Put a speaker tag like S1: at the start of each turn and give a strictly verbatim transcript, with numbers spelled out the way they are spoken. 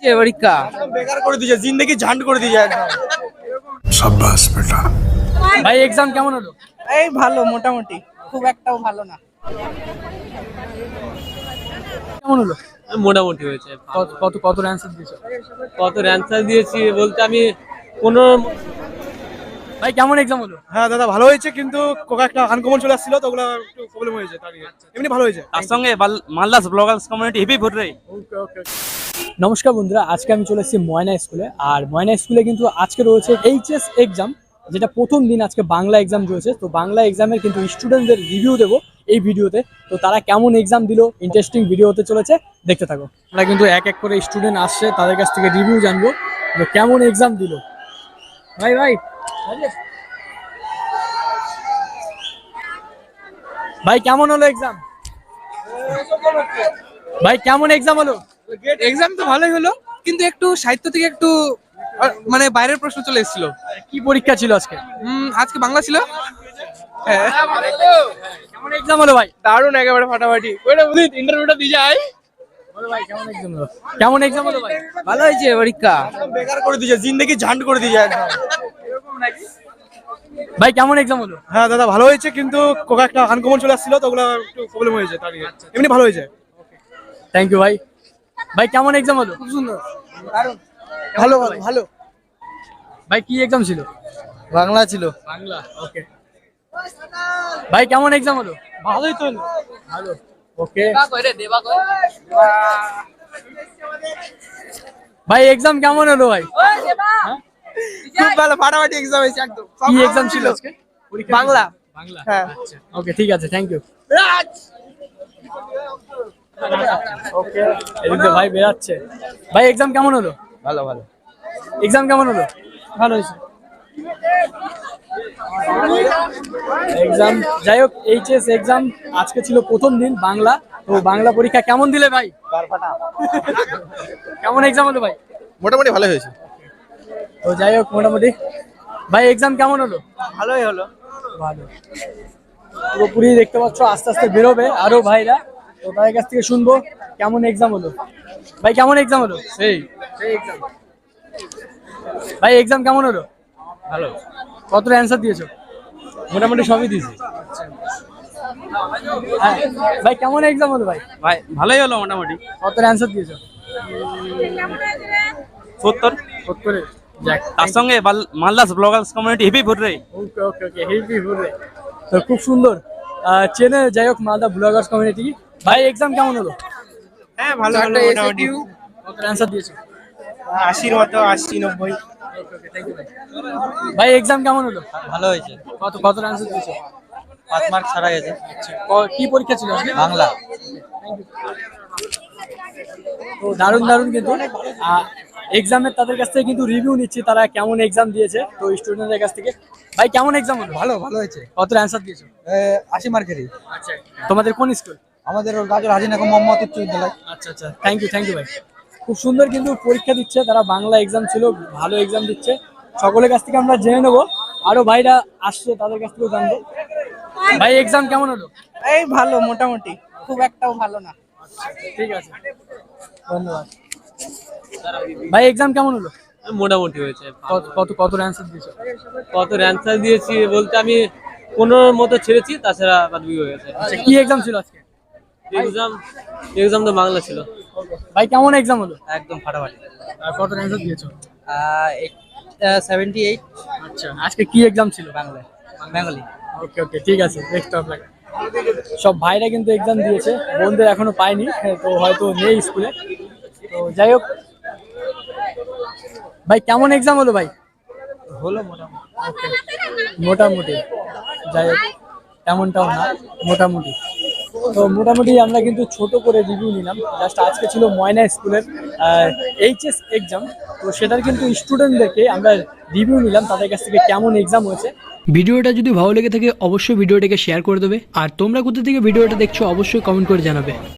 S1: পরীক্ষা
S2: বেকার করে দিয়েছে, জিন্দেগি ঝান্ড করে দিয়েছে একদম।
S3: शाबाश बेटा।
S1: ভাই এক্সাম কেমন হলো?
S4: এই ভালো, মোটামুটি, খুব একটাও ভালো না।
S1: কেমন হলো?
S5: মোটামুটি হয়েছে।
S1: কত কত কত অ্যানসার দিয়েছো?
S5: কত অ্যান্সার দিয়েছি বলতে আমি পনেরো।
S1: ভাই কেমন এক্সাম হলো?
S2: হ্যাঁ দাদা ভালো হয়েছে, কিন্তু কোকা একটা আনকমন চলে আসছিল তো ওগুলো একটু প্রবলেম হয়েছে, তার আগে এমনি ভালো হয়েছে।
S5: তার সঙ্গে Malda's bloggers community heavy vote রে।
S1: নমস্কার বন্ধুরা, আজকে আমি চলে এসেছি ময়না স্কুলে। আর ময়না স্কুলে কিন্তু আজকে রয়েছে এইচএস এক্সাম, যেটা প্রথম দিন। আজকে বাংলা এক্সাম রয়েছে, তো বাংলা এক্সামের কিন্তু স্টুডেন্টদের রিভিউ দেবো এই ভিডিওতে। তো তারা কেমন এক্সাম দিল, ইন্টারেস্টিং ভিডিও হতে চলেছে, দেখতে থাকো। আমরা কিন্তু এক এক করে স্টুডেন্ট আসছে, তাদের কাছ থেকে রিভিউ জানবো যে কেমন এক্সাম দিল। ভাই ভাই ভাই কেমন হলো এক্সাম? ভাই কেমন এক্সাম হলো?
S4: এক্সাম তো ভালোই হলো, কিন্তু একটু সাহিত্য থেকে একটু আহ, মানে বাইরের প্রশ্ন চলে এসেছিল।
S1: কি পরীক্ষা ছিল আজকে?
S4: উম, আজকে বাংলা ছিল। হ্যাঁ,
S1: কেমন এক্সাম হলো ভাই?
S4: দারুণ, একেবারে ফাটাফাটি। ওইটা বুঝি ইন্টারভিউটা দিয়ে যায়।
S1: বলো ভাই কেমন এক্সাম হলো? কেমন এক্সাম হলো ভাই?
S4: ভালো হয়েছে পরীক্ষা।
S2: বেকার করে দিয়েছে, জিন্দেগি ঝান্ড করে দিয়েছে একদম।
S1: ভাই কেমন এক্সাম হলো?
S2: হ্যাঁ দাদা ভালো হয়েছে, কিন্তু কোকা একটা আনকমন চলে আসছিল তো ওগুলো একটু প্রবলেম হয়েছে, তার আগে এমনি ভালো হয়েছে।
S1: থ্যাংক ইউ ভাই। ভাই কেমন এক্সাম হলো?
S4: খুব সুন্দর,
S2: ভালো ভালো ভালো।
S1: ভাই কি এক্সাম ছিল?
S4: বাংলা ছিল।
S1: বাংলা, ওকে। ভাই কেমন এক্সাম হলো?
S2: ভালোই তো হলো।
S1: ভালো, ওকে। ভাই এক্সাম কেমন হলো ভাই? হ্যাঁ?
S4: খুব ভালো, ফাটাফাটি এক্সাম হয়েছে একদম।
S1: কি এক্সাম ছিল আজকে? পরীক্ষা ছিল?
S4: বাংলা।
S1: বাংলা,
S4: হ্যাঁ।
S1: আচ্ছা, ওকে, ঠিক আছে, থ্যাংক ইউ। ওকে, এদিকে ভাই বেরাচ্ছে। ভাই এক্সাম কেমন হলো?
S4: ভালো ভালো
S1: এক্সাম কেমন হলো?
S4: ভালো হয়েছে।
S1: এক্সাম, যাই হোক, এইচএস এক্সাম আজকে ছিল প্রথম দিন বাংলা। তো বাংলা পরীক্ষা কেমন দিলে ভাই? কেমন এক্সাম হলো ভাই?
S2: মোটামুটি ভালো হয়েছে।
S1: তো যাই হোক, মোটামুটি। ভাই এক্সাম কেমন হলো?
S4: ভালোই হলো।
S1: ভালো। পুরোপুরি দেখতে পাচ্ছ, আস্তে আস্তে বেরোবে আরো ভাইরা, তো তাদের কাছ থেকে শুনবো কেমন এক্সাম হলো। ভাই কেমন এক্সাম হলো?
S5: সেই
S1: সেই এক্সাম। ভাই এক্সাম কেমন হলো?
S5: ভালো,
S1: কতটা অ্যান্সার দিয়েছো?
S5: মোটামুটি সবই দিয়েছি
S1: হ্যাঁ। ভাই কেমন এক্সাম হলো ভাই?
S5: ভাই। ভালোই হলো মোটামুটি।
S1: কতটা অ্যান্সার দিয়েছো?
S5: সত্তর।
S1: সত্তরে। যাক,
S5: তার সঙ্গে Malda's bloggers community heavy vote রে।
S1: ওকে ওকে ওকে, হেভি ঘুরে। তো খুব সুন্দর আহ, চেনে, যাই হোক, মালদা ব্লগার্স কমিউনিটি। ভাই এক্সাম কেমন হলো?
S2: হ্যাঁ ভালো হলো মোটামুটি।
S1: কত অ্যান্সার দিয়েছো?
S2: আশির মতো, আশি নব্বই।
S1: ভাই এক্সাম কেমন হলো?
S5: ভালো হয়েছে।
S1: কত কত অ্যান্সার দিয়েছো?
S5: পাঁচ মার্ক ছাড়া গেছে।
S1: ক- কি পরীক্ষা ছিল আজকে?
S5: বাংলা।
S1: তো দারুণ দারুণ, কিন্তু এক্সামের তাদের কাছ থেকে কিন্তু রিভিউ নিচ্ছি, তারা কেমন এক্সাম দিয়েছে, তো স্টুডেন্টদের কাছ থেকে। ভাই কেমন এক্সাম হলো?
S4: ভালো ভালো হয়েছে।
S1: কত অ্যান্সার দিয়েছো?
S4: আশি মার্কেরই।
S1: আচ্ছা, তোমাদের কোন স্কুল?
S4: আমাদের গাজর হাজিনাগর মোহাম্মদ উচ্চ বিদ্যালয়।
S1: আচ্ছা আচ্ছা, থ্যাংক ইউ থ্যাংক ইউ ভাই। খুব সুন্দর কিন্তু পরীক্ষা দিচ্ছে তারা, বাংলা এক্সাম ছিল, ভালো এক্সাম দিচ্ছে। সকলের কাছ থেকে আমরা জেনে নেবো, আরো ভাইরা আসছে তাদের কাছ থেকেও জানবো। ভাই এক্সাম কেমন হলো?
S4: এই ভালো, মোটামুটি, খুব একটাও ভালো না।
S1: ঠিক আছে, ধন্যবাদ। ভাই এক্সাম কেমন হলো?
S5: মোটামুটি হয়েছে।
S1: কত কত কত অ্যান্সার দিয়েছো?
S5: কত অ্যান্সার দিয়েছি বলতে আমি পনেরোর মতো ছেড়েছি, তাছাড়া বাদ হয়ে গেছে।
S1: আচ্ছা, কি এক্সাম ছিল আজকে?
S5: এক্সাম এক্সাম তো বাংলা ছিল।
S1: ভাই কেমন এক্সাম হলো?
S5: একদম ফাটাফাটি।
S1: আর কত অ্যান্সার দিয়েছো?
S5: Seventy eight.
S1: আচ্ছা, আজকে কি এক্সাম ছিল?
S5: বাংলা, বেঙ্গলি।
S1: ওকে ওকে, ঠিক আছে, দেখতে হবে। সব ভাইরা কিন্তু এক্সাম দিয়েছে, বোনদের এখনো পাইনি, তো হয়তো নেই স্কুলে। তো যাই হোক, ভাই কেমন এক্সাম হলো ভাই?
S5: হলো মোটামুটি।
S1: মোটামুটি, যাই হোক, তেমনটাও না, মোটামুটি। তো মোটামুটি আমরা কিন্তু ছোট করে রিভিউ নিলাম, জাস্ট আজকে ছিল ময়না স্কুলের এইচএস এক্সাম, তো সেটার কিন্তু স্টুডেন্টদেরকে আমরা রিভিউ নিলাম, তাদের কাছ থেকে কেমন এক্সাম হয়েছে। ভিডিওটা যদি ভালো লেগে থাকে অবশ্যই ভিডিওটাকে শেয়ার করে দেবে, আর তোমরা কোথা থেকে ভিডিওটা দেখছো অবশ্যই কমেন্ট করে জানাবে।